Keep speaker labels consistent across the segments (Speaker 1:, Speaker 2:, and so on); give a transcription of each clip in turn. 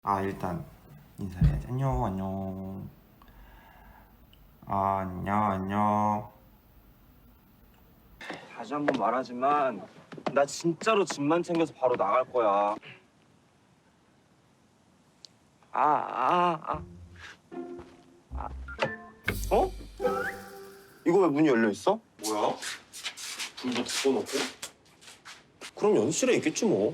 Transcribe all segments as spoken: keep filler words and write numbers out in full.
Speaker 1: 아 일단 인사해야지. 안녕 안녕. 아 안녕 안녕.
Speaker 2: 다시 한 번 말하지만 나 진짜로 짐만 챙겨서 바로 나갈 거야. 아, 아, 아. 아. 어? 이거 왜 문이 열려 있어? 뭐야? 불도 덮어놓고? 그럼 연습실에 있겠지 뭐.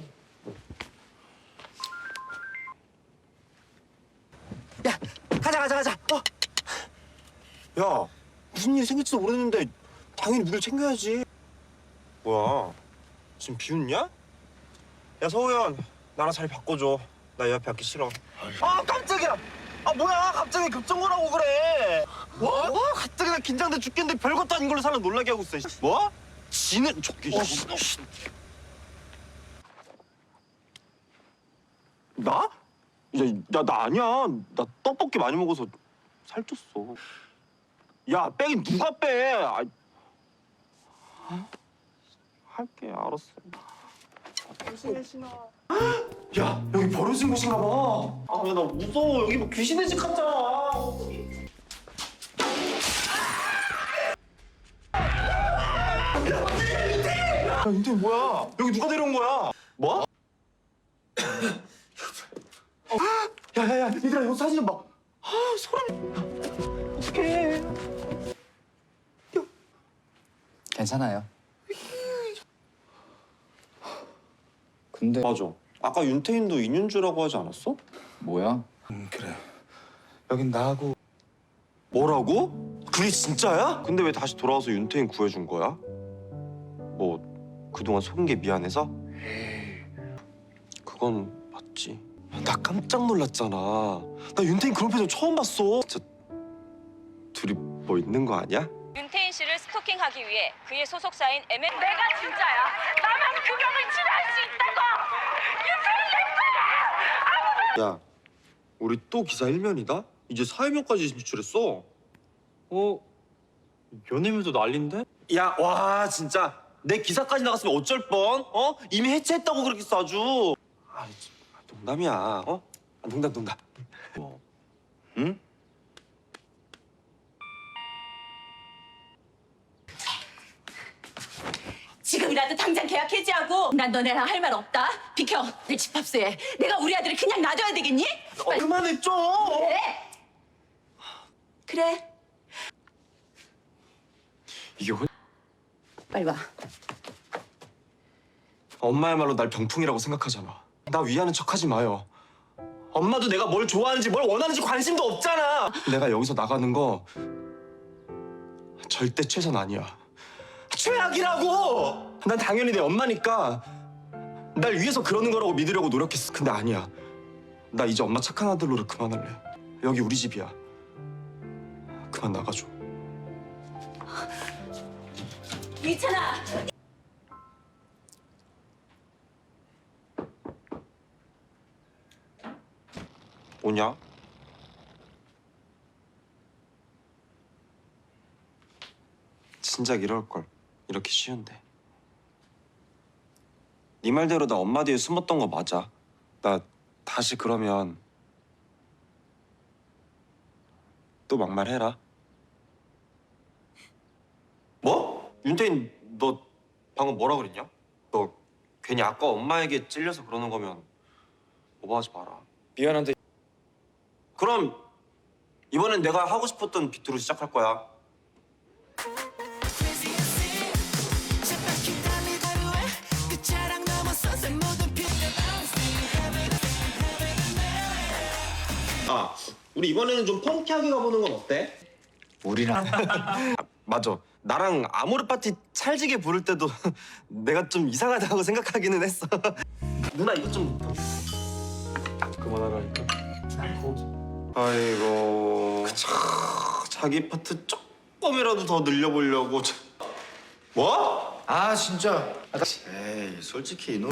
Speaker 2: 야, 가자 가자 가자. 어. 야, 무슨 일이 생길지도 모르는데 당연히 물을 챙겨야지. 뭐야? 지금 비웃냐? 야 서우현, 나랑 자리 바꿔줘. 나 이 앞에 앉기 싫어. 아 깜짝이야. 아 뭐야? 갑자기 급정거라고 그래. 뭐? 와 갑자기 나 긴장돼 죽겠는데 별것도 아닌 걸로 사람 놀라게 하고 있어. 뭐? 지는 저기. 어, 나? 야, 야, 나 아니야. 나 떡볶이 많이 먹어서 살쪘어. 야, 빼긴 누가 빼? 아, 할게, 알았어. 조심해, 신아. 야, 여기 버려진 곳인가 봐. 아, 야, 나 무서워. 여기 뭐 귀신의 집 같잖아. 야, 인태 뭐야? 여기 누가 데려온 거야? 뭐? 어. 야야야, 얘들아 이거 사진 좀 봐. 아 소름. 어떡해.
Speaker 3: 괜찮아요. 근데
Speaker 2: 맞아. 아까 윤태인도 인윤주라고 하지 않았어?
Speaker 3: 뭐야?
Speaker 4: 음, 그래. 여긴 나하고
Speaker 2: 뭐라고? 그게 진짜야? 근데 왜 다시 돌아와서 윤태인 구해준 거야? 뭐 그동안 속은 게 미안해서? 그건 맞지. 나 깜짝 놀랐잖아. 나 윤태인 그런 표정 처음 봤어. 진짜 둘이 뭐 있는 거 아니야?
Speaker 5: 윤태인 씨를 스토킹하기 위해 그의 소속사인 엠 엔 내가 진짜야. 나만 그 병을 치료할 수 있다고. 윤태인 내 거야.
Speaker 2: 야, 우리 또 기사 일면이다? 이제 사회면까지 진출했어. 어? 연예면도 난린데? 야, 와 진짜 내 기사까지 나갔으면 어쩔 뻔? 어? 이미 해체했다고 그렇게 써주. 아, 농담이야. 어? 아, 농담 농담. 뭐? 응?
Speaker 5: 지금이라도 당장 계약 해지하고 난 너네랑 할 말 없다. 비켜. 내 집합소에 내가 우리 아들을 그냥 놔둬야 되겠니?
Speaker 2: 어, 그만해 좀.
Speaker 5: 그래. 그래.
Speaker 2: 이게 혼...
Speaker 5: 빨리 와.
Speaker 2: 엄마의 말로 날 병풍이라고 생각하잖아. 나 위하는 척하지 마요. 엄마도 내가 뭘 좋아하는지 뭘 원하는지 관심도 없잖아. 내가 여기서 나가는 거 절대 최선 아니야. 최악이라고! 난 당연히 내 엄마니까 날 위해서 그러는 거라고 믿으려고 노력했어. 근데 아니야. 나 이제 엄마 착한 아들로를 그만할래. 여기 우리 집이야. 그만 나가줘.
Speaker 5: 이찬아.
Speaker 2: 오냐? 진작 이럴 걸. 이렇게 쉬운데. 네 말대로 나 엄마 뒤에 숨었던 거 맞아. 나 다시 그러면 또 막말해라. 뭐? 윤태인 너 방금 뭐라 그랬냐? 너 괜히 아까 엄마에게 찔려서 그러는 거면 오버하지 마라.
Speaker 4: 미안한데
Speaker 2: 그럼 이번엔 내가 하고 싶었던 비트로 시작할 거야. 아, 우리 이번에는 좀 펑키하게 가보는 건 어때?
Speaker 3: 우리랑
Speaker 2: 아, 맞아. 나랑 아모르 파티 찰지게 부를 때도 내가 좀 이상하다고 생각하기는 했어. 누나 이거 좀
Speaker 4: 그만하라니까.
Speaker 2: 아이고 차, 자기 파트 조금이라도 더 늘려보려고. 뭐?
Speaker 4: 아 진짜. 에이 솔직히 이놈.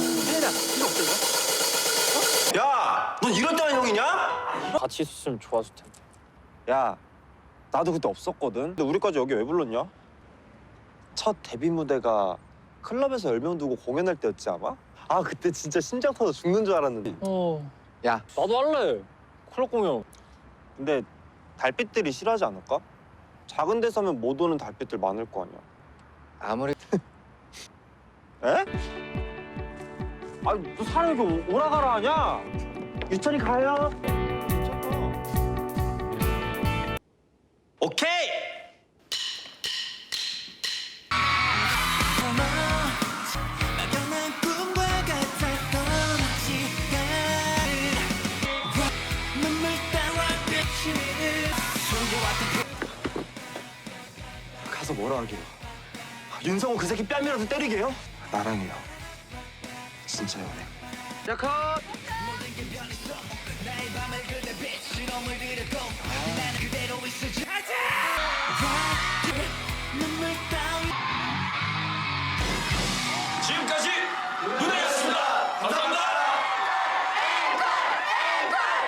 Speaker 2: 야, 넌 이럴 때만 형이냐?
Speaker 6: 같이 있었으면 좋았을 텐데.
Speaker 2: 야, 나도 그때 없었거든. 근데 우리까지 여기 왜 불렀냐? 첫 데뷔 무대가 클럽에서 열 명 두고 공연할 때였지 아마? 아 그때 진짜 심장 터져 죽는 줄 알았는데.
Speaker 6: 어,
Speaker 3: 야,
Speaker 6: 나도 할래. 클럽 공연.
Speaker 2: 근데 달빛들이 싫어하지 않을까? 작은 데서면 못 오는 달빛들 많을 거 아니야.
Speaker 3: 아무리
Speaker 2: 에? 아니 너 사람이 이렇게 오라 가라 하냐? 유찬이 가요. 오케이. 가서 뭐라 하게요? 윤성호 그 새끼 뺨이라도 때리게요? 나랑이요. 진짜 연애. 자, 컷!
Speaker 7: 가자!